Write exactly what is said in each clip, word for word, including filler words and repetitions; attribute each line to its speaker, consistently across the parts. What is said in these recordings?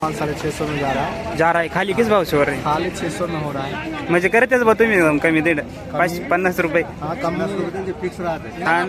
Speaker 1: पाँच साढ़े छः सौ में जा रहा है।
Speaker 2: जा रहा है खाली किस भाव से हो रहे हैं?
Speaker 1: खाली छः सौ में हो रहा है।
Speaker 2: म्हणजे करतेच बा तुम्ही कमी दे पाच पन्नास रुपये।
Speaker 1: हाँ कम नहीं फिक्स रहा है।
Speaker 2: हाँ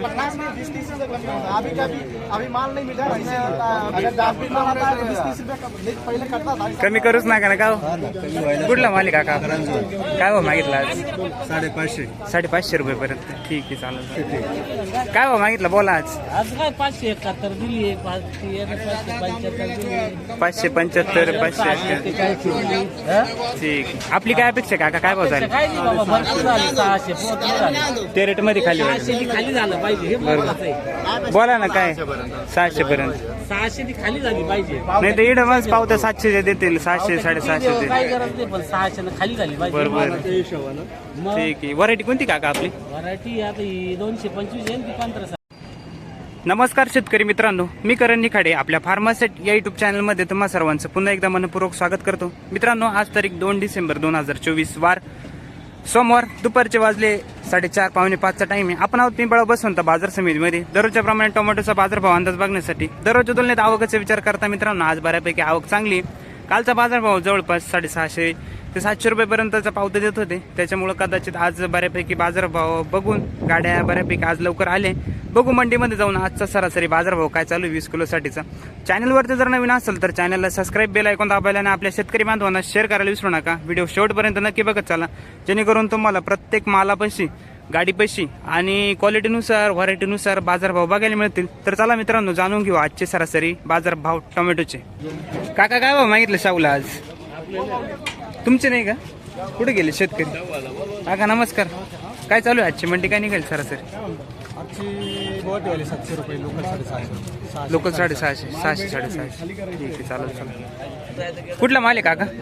Speaker 1: अभी अभी माल नहीं मिला अगर दस बीस माल आता है बीस तीस रुपये पहले करता था।
Speaker 2: कमी करूच नका ना का हो? कुठला मालिक काका काय हो मागितला आज?
Speaker 1: साडेपाचशे
Speaker 2: साडेपाचशे रुपये पर्यंत ठीक आहे चालेल। काय हो मागितलं बोला आज?
Speaker 3: आज काय पाचशे एकाहत्तर दिली आहे पाच पाचशे पंच्याहत्तर दिली
Speaker 2: पाचशे पंच्याहत्तर पाचशे अठ्ठ्याहत्तर ठीक। आपली काय अपेक्षा काका काय भाव झाले?
Speaker 3: काय नाही बाबा भरपूर झाले सहाशे पोहोचले झाले
Speaker 2: ते रेट मध्ये खाली होईल।
Speaker 3: सहाशे खाली झालं पाहिजे हे महत्वाचं आहे।
Speaker 2: बोला ना काय सहाशे पर्यंत
Speaker 3: सहाशे ती खाली झाली पाहिजे
Speaker 2: नाही तर इडं मग पावतं सातशे देतील सातशे साडेसहाशे
Speaker 3: काय गरज नाही पण सहाशे खाली झाली पाहिजे
Speaker 2: बरोबर
Speaker 3: मग
Speaker 2: ठीक आहे। व्हरायटी कोणती काका आपली?
Speaker 3: व्हरायटी आता ही दोनशे पंचवीस आहे ती पंधरा।
Speaker 2: नमस्कार शेतकरी मित्रांनो, मी करण निखाडे आपल्या फार्मासेट या युट्यूब चॅनलमध्ये तुम्हा सर्वांचं पुन्हा एकदा मनपूर्वक स्वागत करतो। मित्रांनो आज तारीख दोन डिसेंबर दोन हजार चोवीस वार सोमवार दुपारचे वाजले साडेचार पावणे पाचचा टाइम आहे। आपण आहोत पिंपळा बसवंत बाजार समितीमध्ये दररोजच्या प्रमाणे टोमॅटोचा बाजारभाव अंदाज बघण्यासाठी। दररोजच्या तुलनेत आवकाचा विचार करता मित्रांनो आज बऱ्यापैकी आवक चांगली आहे। कालचा बाजारभाव जवळपास साडेसहाशे ते सातशे रुपयेपर्यंतचा पावते देत होते, त्याच्यामुळे कदाचित आज बऱ्यापैकी बाजारभाव बघून गाड्या बऱ्यापैकी आज लवकर आले। बघू मंडीमध्ये जाऊन आजचा सरासरी बाजारभाव काय चालू वीस किलोसाठीचा। चॅनलवरती जर नवीन असेल तर चॅनलला सबस्क्राईब बेल आयकॉन दाबायला आणि आपल्या शेतकरी बांधवांना शेअर करायला विसरू नका। व्हिडिओ शेवटपर्यंत नक्की बघत चला जेणेकरून तुम्हाला प्रत्येक मालापाशी गाडी पैशी आणि क्वालिटीनुसार व्हरायटीनुसार बाजारभाव बघायला मिळतील। तर चला मित्रांनो जाणून घेऊ आजचे सरासरी बाजारभाव टोमॅटोचे। काका काय भाव मागितलं शाहूला आज? तुमचे नाही का? कुठे गेले शेतकरी? काका नमस्कार, काय चालू आहे आजची मंडी? काय निघाली सरासरी?
Speaker 1: आजची गुवाहाटी वाली सातशे रुपये लोकल साडेसहाशे
Speaker 2: लोकल साडेसहाशे सहाशे साडेसहाशे ठीक आहे चालेल चालेल। कुठला माल आहे काका?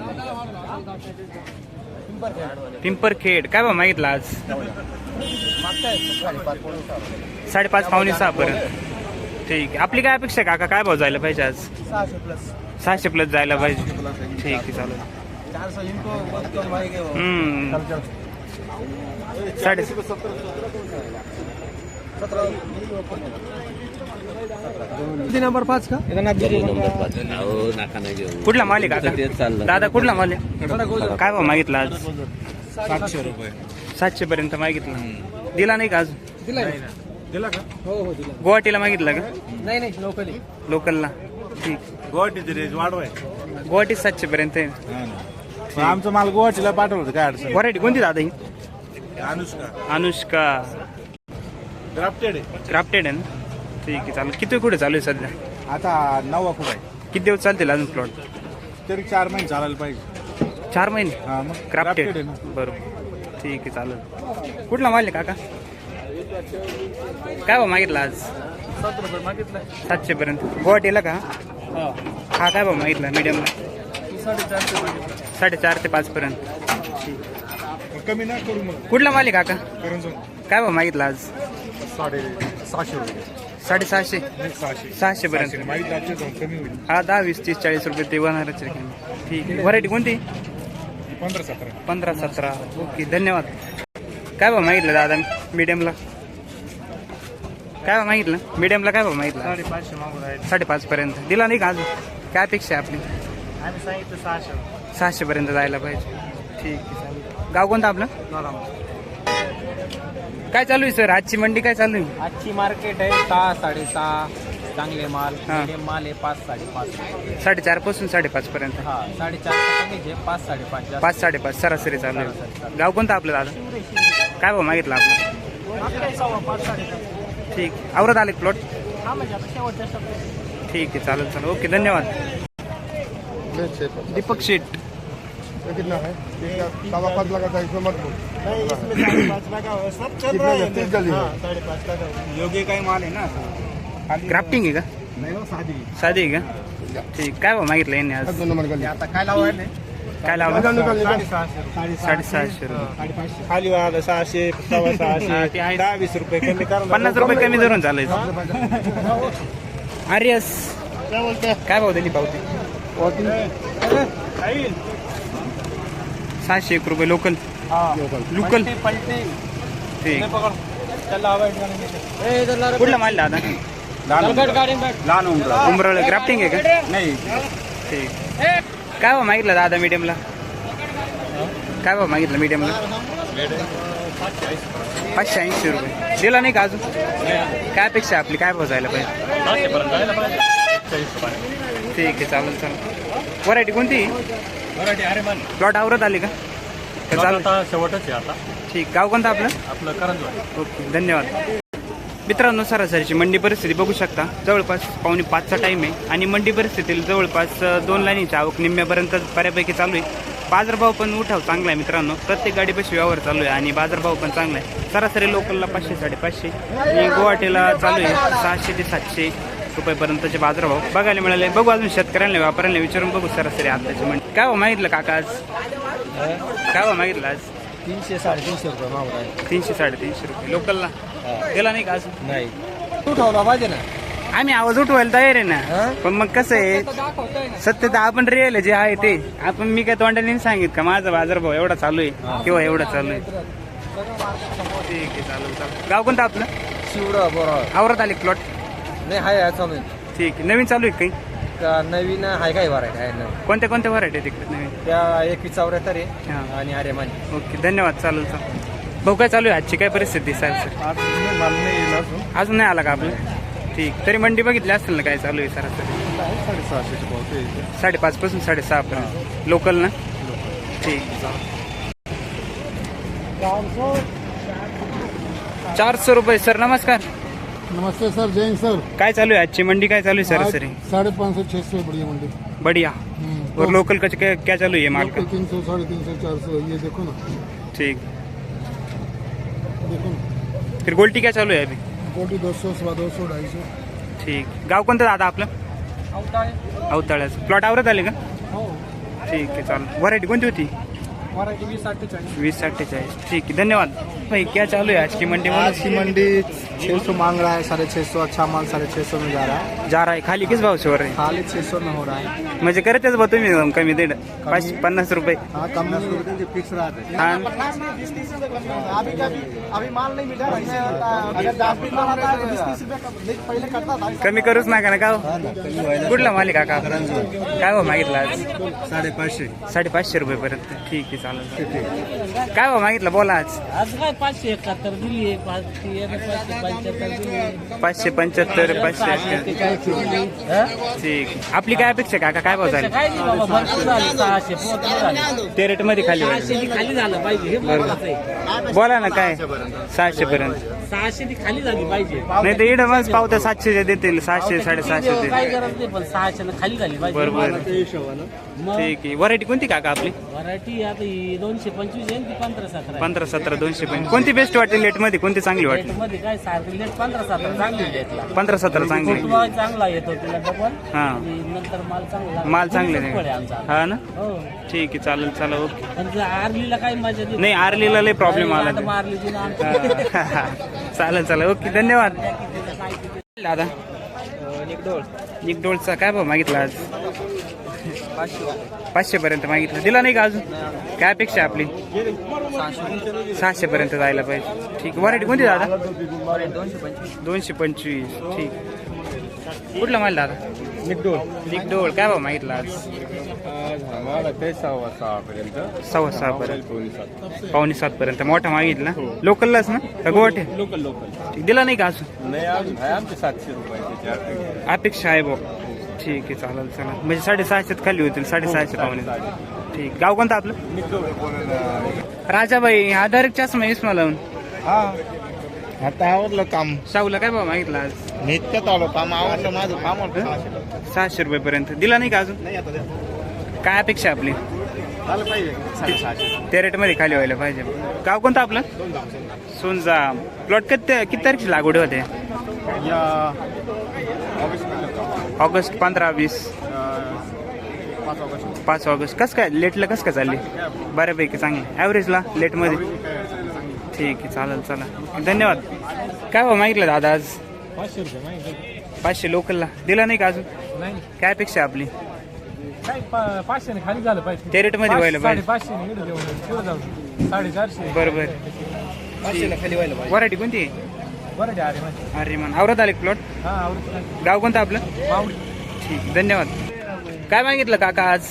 Speaker 2: पिंपरखेड। काय भाव मागितला आज? साडेपाच पावणे सहा पर्यंत ठीक आहे। आपली काय अपेक्षा काका काय भाव जायला पाहिजे आज?
Speaker 1: सहाशे प्लस
Speaker 2: सहाशे प्लस जायला पाहिजे ठीक आहे चालेल।
Speaker 1: चार सौ इनको बहुत कम आएंगे वो।
Speaker 2: हम्म साडे
Speaker 1: नंबर पाच का?
Speaker 2: कुठला माल आहे काका? दादा कुठला माल आहे? काय भाव मागितला आज?
Speaker 1: सातशे रुपये
Speaker 2: सातशे पर्यंत मागितला, दिला नाही का अजून?
Speaker 1: दिला दिला का? हो हो दिला।
Speaker 2: गुवाहाटीला मागितला का?
Speaker 1: नाही नाही लोकली
Speaker 2: लोकलला ठीक।
Speaker 1: गुवाहाटीचे रेट वाढवाय
Speaker 2: गुवाहाटी सातशे पर्यंत आहे।
Speaker 1: आमचं माल गुवाहाटीला पाठवलं होतं काय अडचण?
Speaker 2: व्हरायटी कोणती दादा ही?
Speaker 1: अनुष्का
Speaker 2: अनुष्का
Speaker 1: ग्राफ्टेड आहे।
Speaker 2: क्राफ्टेड आहे ना ठीक आहे चालेल। किती कुठे चालू आहे सध्या?
Speaker 1: आता नवा खूप आहे,
Speaker 2: किती दिवस चालतील अजून प्लॉट?
Speaker 1: तरी चार महिने चालायला पाहिजे।
Speaker 2: चार महिने
Speaker 1: हा मग
Speaker 2: क्राफ्टेड
Speaker 1: आहे ना।
Speaker 2: बरोबर ठीक आहे चालेल। कुठला माल आहे काका? काय भाव मागितला आज?
Speaker 1: सात रुपये मागितलं
Speaker 2: सातशे पर्यंत गुवाहाटीला का? हा काय भाव मागितला मीडियमला?
Speaker 1: साडेचारशे मागितलं।
Speaker 2: साडेचार ते पाच पर्यंत।
Speaker 1: कमी नाही करू मग।
Speaker 2: कुठला माल आहे काका?
Speaker 1: करून
Speaker 2: काय भाव मागितला आज?
Speaker 1: साडे सहाशे रुपये
Speaker 2: साडेसहाशे
Speaker 1: सहाशे
Speaker 2: सहाशे पर्यंत
Speaker 1: मागितलं आपल्या जाऊन कमी होईल।
Speaker 2: हा दहा वीस तीस चाळीस रुपये ते होणारच आहे ठीक आहे। व्हरायटी कोणती?
Speaker 1: पंधरा सतरा
Speaker 2: पंधरा सतरा ओके धन्यवाद। काय भाव मागितलं दादा मीडियमला? काय भाव मागितलं मीडियमला? काय भाव मागितलं?
Speaker 1: साडेपाचशे मागून आहे।
Speaker 2: साडेपाच पर्यंत दिला नाही का अजून? काय अपेक्षा आहे आपली?
Speaker 1: आम्ही सांगितलं सहाशे
Speaker 2: सहाशे पर्यंत जायला पाहिजे ठीक आहे चालेल। गाव कोणतं आपलं? काय चालू आहे सर आजची मंडी काय चालू आहे?
Speaker 3: आजची मार्केट आहे सहा साडेसहा चांगले माल
Speaker 2: हा.
Speaker 3: medium माल आहे पाच साडेपाच।
Speaker 2: साडेचार पासून साडेपाच पर्यंत
Speaker 3: हा साडेचार कमीच आहे पाच साडेपाच जास्त।
Speaker 2: पाच साडेपाच सरासरी चालू आहे। गाव कोणतं आपलं दादा? काय भाव मागितलं आपलं? ठीक आवरत आले प्लॉट ठीक आहे चालेल चालेल ओके धन्यवाद। दीपक शेठ
Speaker 1: कितना है? सवा पाँच लगा था इसमें मत
Speaker 2: योग्य काही माल आहे ना? क्राफ्टिंग आहे का?
Speaker 1: नहीं शादी
Speaker 2: साधी आहे का? ठीक काय भाव मागितलं यांनी आज?
Speaker 1: दोन नंबर का आता काय लावा है?
Speaker 2: काय लावलं?
Speaker 1: साडेसहाशे
Speaker 2: साडेसहाशे रुपये
Speaker 1: खाली वाला सहाशे सव्वा
Speaker 2: हा,
Speaker 1: सहाशे
Speaker 2: ते आहे.
Speaker 1: दहा वीस रुपये कमी करा।
Speaker 2: पन्नास रुपये कमी धरून चालायचं। आर्यस
Speaker 1: क्या बोलते
Speaker 2: काय भाव दिली पावती?
Speaker 1: हैं?
Speaker 2: सहाशे एक रुपये लोकल लोकल
Speaker 3: पलटे
Speaker 2: ठीक।
Speaker 3: पकड़ चल
Speaker 2: कुठला माल दादा?
Speaker 3: गाडी
Speaker 1: लहान उमरा
Speaker 2: उमराळ ग्राफ्टिंग आहे का?
Speaker 1: नाही
Speaker 2: ठीक काय भाव मागितलं दादा मीडियमला? काय भाव मागितलं मीडियमला? पाचशे ऐंशी रुपये. दिला नाही का अजून? काय अपेक्षा आपली, काय भाव जायला पाहिजे? ठीक आहे, चालेल चालेल. व्हरायटी कोणती? प्लॉट आवरत आली का? चालेल,
Speaker 4: शेवटच आहे आता.
Speaker 2: ठीक. गाव कोणतं आपलं?
Speaker 4: आपलं करंजवाडी.
Speaker 2: ओके, धन्यवाद. मित्रांनो, सरासरीची मंडी परिस्थिती बघू शकता. जवळपास पावणे पाचचा टाईम आहे आणि मंडी परिस्थितीला जवळपास दोन लाईनीची आवक निम्म्यापर्यंत बऱ्यापैकी चालू आहे. बाजारभाव पण उठाव चांगला आहे मित्रांनो. प्रत्येक गाडीपाशी व्यवहार चालू आहे आणि बाजारभाव पण चांगला आहे. सरासरी लोकलला पाचशे साडेपाचशे आणि गुवाहाटीला चालू आहे सहाशे ते सातशे रुपयेपर्यंतचे बाजारभाव बघायला मिळाले. बघू अजून शेतकऱ्यांना व्यापाऱ्यांना विचारून बघू सरासरी आताची मंडी. काय भाव मागितलं काका आज? काय भाव मागितलं आज?
Speaker 1: तीनशे साडेतीनशे रुपये मागून आहे.
Speaker 2: तीनशे साडेतीनशे रुपये. लोकलला गेला नाही का अजून?
Speaker 1: नाही, तू ठेवला पाहिजे ना.
Speaker 2: आम्ही आवाज उठवायला तयार आहे ना, पण मग कसं आहे सत्यता आपण रिअल जे आहे ते आपण. मी काय तोंडाने सांगित का माझा बाजारभाव एवढा चालू आहे किंवा एवढा चालू आहे. ठीक आहे, चालेल चालेल. गाव कोणतं आपलं?
Speaker 1: शिवडा बरोबर
Speaker 2: आवरत आले प्लॉट?
Speaker 1: नाही, हाय हाय चालू आहे.
Speaker 2: ठीक आहे. नवीन चालू आहे काही?
Speaker 1: का नवीन हाय काय व्हरायटी आहे ना?
Speaker 2: कोणत्या कोणत्या व्हरायटी आहे तिकडे नवीन?
Speaker 1: त्या एकवीस चौऱ्याहत्तर आहे
Speaker 2: हां.
Speaker 1: आणि अरे मानी.
Speaker 2: ओके, धन्यवाद. चालेल चालेल. भाऊ काय चालू आहे आजची, काय परिस्थिती सर? अजून नाही आला का आपलं? ठीक. तरी मंडी बघितली असेल ना काय चालू आहे सरासरी?
Speaker 4: साडेसहाशे
Speaker 2: साडेपाच पासून साडेसहा पर्यंत लोकल ना? ठीक. चारशे रुपये. सर नमस्कार.
Speaker 5: नमस्ते सर, जैन सर.
Speaker 2: काय चालू आहे आजची मंडी, काय चालू आहे सरासरी?
Speaker 5: साढ़े पाँच सौ छह सौ बढ़िया मंडी.
Speaker 2: बढ़िया.
Speaker 5: हम्म,
Speaker 2: और लोकल का क्या क्या चालू है माल का?
Speaker 5: तीन सौ साढ़े तीन सौ चार सौ ये देखो ना,
Speaker 2: ठीक.
Speaker 5: देखो ना.
Speaker 2: फिर गोल्टी क्या चालू है अभी?
Speaker 5: गोटी दो सौ सवा दो सौ ढाई सौ.
Speaker 2: ठीक. गाव कोणतं दादा आपलं? अवताळ्याचं. प्लॉट आवरत आले का? ठीक आहे, चालेल. व्हरायटी कोणती होती? वीस अट्ठेचाळीस. ठीक है, धन्यवाद. भाई क्या चालू है आज की मंडी में?
Speaker 1: आज की मंडी छह सौ मांग रहा है, साढ़े छह सौ. अच्छा माल साढ़े छह सौ में जा रहा है.
Speaker 2: जा रहा है. खाली किस भाव से हो रहे हैं?
Speaker 1: खाली छह सौ में हो रहा है.
Speaker 2: म्हणजे करतेच बा तुम्ही कमी दीड पाचशे पन्नास रुपये.
Speaker 1: हाँ, कम फिक्स रहा है.
Speaker 2: हाँ.
Speaker 1: अभी का भी अभी माल नहीं मिला. अगर दस बीस माल आता है तो बीस तीस रुपये पहले करता था.
Speaker 2: कमी करूच नका ना. का कुठला मालिक काका? काय भाव मागितला आज?
Speaker 1: साडेपाचशे.
Speaker 2: साडेपाचशे रुपये पर्यंत. ठीक आहे, चालेल. काय भाव मागितला बोला आज?
Speaker 3: आज काय पाचशे एकाहत्तर दिली आहे, पाच पाचशे पंच्याहत्तर दिली आहे.
Speaker 2: पाचशे पंच्याहत्तर पाचशे अठ्ठ्याहत्तर. ठीक. आपली काय अपेक्षा काका, काय भाव झाले?
Speaker 3: काय नाही बाबा, भरपूर झाले. सहाशे पोहोचले झाले.
Speaker 2: ते रेट मध्ये खाली व्हायला.
Speaker 3: सहाशे ती खाली झालं पाहिजे, हे महत्वाचं आहे.
Speaker 2: बोला ना काय? सहाशे पर्यंत.
Speaker 3: सहाशे ती खाली झाली पाहिजे.
Speaker 2: नाही तर इडं मग पावत्या सातशे देतील, सहाशे साडेसहाशे
Speaker 3: काही
Speaker 2: देतील.
Speaker 3: गरज नाही, पण सहाशे खाली झाली पाहिजे.
Speaker 2: बरोबर.
Speaker 3: मग
Speaker 2: ठीक आहे. व्हरायटी कोणती काका आपली?
Speaker 3: व्हरायटी आता ही दोनशे पंचवीस आहे, ती पंधरा सतरा आहे.
Speaker 2: पंधरा सतरा दोनशे पण कोणती बेस्ट वाटली लेट मध्ये, कोणती चांगली वाटली?
Speaker 3: मध्ये काय सारखं लेट पंधरा सतरा चांगली लेटला.
Speaker 2: पंधरा सतरा चांगली.
Speaker 3: फुटवा चांगला येतो तिला डबल.
Speaker 2: हा,
Speaker 3: आणि नंतर माल चांगला
Speaker 2: माल चांगले
Speaker 3: फुल आहे
Speaker 2: नाही.
Speaker 3: आमचा.
Speaker 2: हा ना?
Speaker 3: हो.
Speaker 2: ठीक आहे, चालेल. चला, ओके.
Speaker 3: पण जर आरलीला काही मजा देत
Speaker 2: नाही, आरलीला लय प्रॉब्लेम आला ते.
Speaker 3: आरलीची ना
Speaker 2: हा. चालेल चला, ओके, धन्यवाद. दादा निकडोळचा काय भाव मागितला आज? पाचशे पर्यंत मागितलं. दिला नाही का अजून? काय अपेक्षा आपली? सहाशे पर्यंत जायला पाहिजे. ठीक. व्हरायटी कोणती दादा? दोनशे पंचवीस. ठीक. कुठला माल दादा?
Speaker 1: निकडोळ.
Speaker 2: निकडोळ. काय भाव मागितला आज?
Speaker 4: सव्वा सहा पर्यंत.
Speaker 2: सव्वा सहा पर्यंत. पावणे सात पर्यंत. मोठा मागितला लोकललाच ना का गुवाहाटी?
Speaker 4: Local local.
Speaker 2: ठीक. दिला नाही का अजून?
Speaker 4: नाही, अजून आहे आमचे सातशे रुपये
Speaker 2: अपेक्षा आहे भाऊ. ठीक आहे, चालेल चला. म्हणजे साडेसहाशेत खाली होतील, साडेसहाशे पावणे. ठीक. गाव कोणतं आपलं? राजाबाई. आधार चष्मा इसमा लावून.
Speaker 1: हा, आता आवडलं काम.
Speaker 2: शाहूला काय भाव मागितला आज?
Speaker 1: नित्यात आलो काम. आवडलं माझं काम.
Speaker 2: सहाशे रुपये पर्यंत. दिला नाही का अजून? काय अपेक्षा आपली?
Speaker 1: झालं पाहिजे.
Speaker 2: त्या रेट मध्ये खाली व्हायला पाहिजे. गाव कोणतं आपलं? सोनजा. प्लॉट किती किती तारखेची लागवड होते?
Speaker 1: या
Speaker 2: ऑगस्ट पंधरा वीस
Speaker 1: पाच ऑगस्ट.
Speaker 2: पाच ऑगस्ट. कसं काय लेटला कसं काय चालली? बऱ्यापैकी चांगली ॲव्हरेजला लेटमध्ये. ठीक आहे, चालेल चला, धन्यवाद. काय भाव मागितलं दादा आज?
Speaker 1: पाचशे रुपये माहिती.
Speaker 2: पाचशे लोकलला. दिला नाही का अजून?
Speaker 1: नाही,
Speaker 2: काय अपेक्षा आपली?
Speaker 1: काय पाचशे ने खाली झालं पाहिजे.
Speaker 2: त्या रेटमध्ये व्हायला पाहिजे.
Speaker 1: पाचशे साडेचारशे.
Speaker 2: बरोबर.
Speaker 1: पाचशे खाली व्हायला पाहिजे.
Speaker 2: व्हरायटी कोणती?
Speaker 1: बरं आहे. अरे माहिती.
Speaker 2: अरे मन आवरत आले प्लॉट.
Speaker 1: हा, आवडतं.
Speaker 2: गाव कोणतं आपलं?
Speaker 1: मावडी.
Speaker 2: ठीक, धन्यवाद. काय मागितलं काका आज?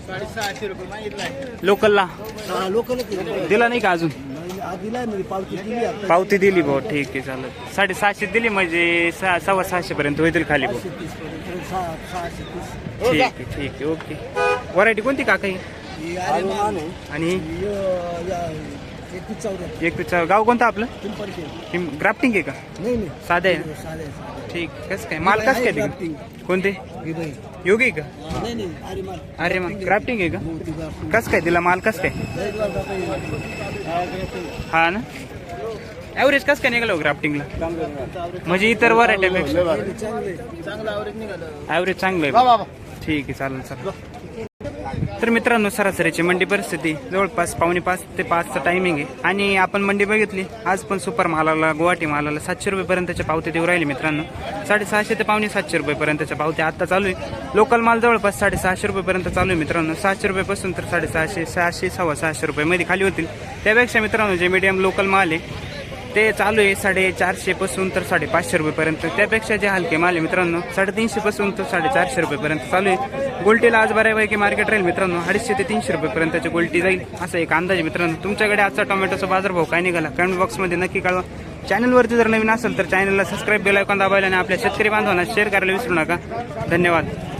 Speaker 1: साडेसहाशे रुपये मागितलाय.
Speaker 2: लोकलला
Speaker 1: लोकल
Speaker 2: दिला नाही का अजून?
Speaker 1: दिलाय म्हणजे पावती दिली आता.
Speaker 2: पावती दिली भाऊ, ठीक आहे चालेल. साडेसहाशे दिली म्हणजे सहा सव्वा सहाशे पर्यंत होईल खाली भाऊ.
Speaker 1: सहाशे तीस.
Speaker 2: ठीक आहे ठीक आहे ओके. व्हरायटी कोणती काका ही?
Speaker 1: ही आर्यमान आहे.
Speaker 2: आणि
Speaker 1: ही, अं, या, एकतीस चौदा.
Speaker 2: एक तुझं गाव कोणतं आपलं?
Speaker 1: पिंपळखेड.
Speaker 2: ग्राफ्टिंग आहे का?
Speaker 1: नाही नाही
Speaker 2: साधं आहे ना?
Speaker 1: साधे साधे.
Speaker 2: ठीक. कसं काय माल कसं काय तिकडे?
Speaker 1: ग्राफ्टिंग.
Speaker 2: कोणते
Speaker 1: ही बाई.
Speaker 2: योगी का?
Speaker 1: नाही नाही आर्यमान.
Speaker 2: अरे मग ग्राफ्टिंग आहे का?
Speaker 1: हो, ती ग्राफ्टिंग.
Speaker 2: कसं काय दिला माल कसं काय?
Speaker 1: एक लाख रुपये. हा, ग्राफ्टिंग.
Speaker 2: हा ना. ॲव्हरेज कसं काय निघालं ग्राफ्टिंगला? म्हणजे इतर व्हरायटीपेक्षा
Speaker 1: चांगले चांगलं ॲव्हरेज निघालं.
Speaker 2: ॲव्हरेज चांगलं आहे. ठीक आहे चालेल चालेल. तर मित्रांनो सरासरीची मंडी परिस्थिती जवळपास पावणे पाच ते पाचचं टायमिंग आहे आणि आपण मंडी बघितली आज पण सुपर मालाला गुवाहाटी मालाला सातशे रुपयेपर्यंतच्या पावत्या देऊ राहिले मित्रांनो. साडेसहाशे ते पावणे सातशे रुपयेपर्यंतच्या पावत्या आता चालू आहे. लोकल माल जवळपास साडेसहाशे रुपयेपर्यंत चालू आहे मित्रांनो. सहाशे रुपयेपासून तर साडेसहाशे सहाशे सव्वा सहाशे रुपयेमध्ये खाली होतील. त्यापेक्षा मित्रांनो जे मीडियम लोकल माल आहे ते चालू आहे साडेचारशे पासून तर साडेपाचशे रुपयेपर्यंत. त्यापेक्षा जे हलके माल आहे मित्रांनो साडेतीनशे पासून तर साडेचारशे रुपयेपर्यंत चालू आहे. गोल्टीला आज बऱ्यापैकी मार्केट राहील मित्रांनो. अडीचशे ते तीनशे रुपयेपर्यंतची गोल्टी जाईल असा एक अंदाज आहे मित्रांनो. तुमच्याकडे आजचा टोमॅटोचा बाजारभाव काय निघाला कमेंट बॉक्समध्ये नक्की कळवा. चॅनलवरती जर नवीन असेल तर चॅनलला सबस्क्राईब बेल आयकॉन दाबायला आणि आपल्या शेतकरी बांधवांना शेअर करायला विसरू नका. धन्यवाद.